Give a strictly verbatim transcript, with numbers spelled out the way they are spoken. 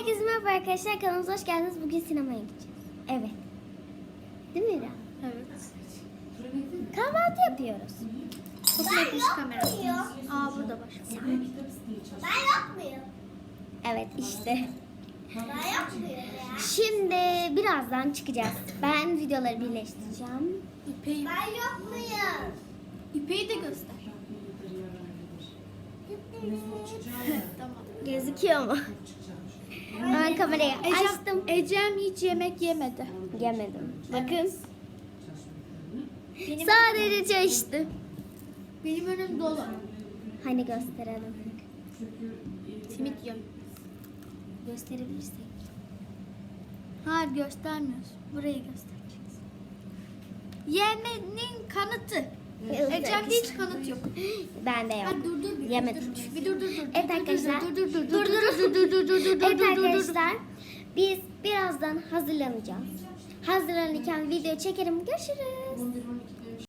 Herkese merhaba arkadaşlar, kanalımıza hoş geldiniz. Bugün sinemaya gideceğiz. Evet. Değil mi İrem? Evet. Kahvaltı yapıyoruz. Çok netmiş kamerası. Aa burada var. Ben yapmıyorum. Evet işte. Ben yapmıyorum ya. Şimdi birazdan çıkacağız. Ben videoları birleştireceğim. İpeği, Ben yapmıyorum. İpeği de göster. Tamam. Gözüküyor mu? Ben kamerayı açtım. Ecem, Ecem hiç yemek yemedi. Yemedim. Bakın. Benim, Sadece çay içti. benim önüm dolu. Hani gösterelim. Simit yiyorum. Gösterebilirsek. Hayır göstermiyoruz. Burayı göstereceğiz. Yemenin kanıtı. Ecem'de hiç kanıt yok. Ben de yok. Hadi dur dur bir. Yemedim. Dur, bir dur dur dur. Evet Dur, dur, arkadaşlar. Dur dur dur Dur, dur dur. dur dur dur dur dur dur Evet dur dur dur. arkadaşlar, biz birazdan hazırlanacağız. Hazırlanırken video çekerim. Görüşürüz.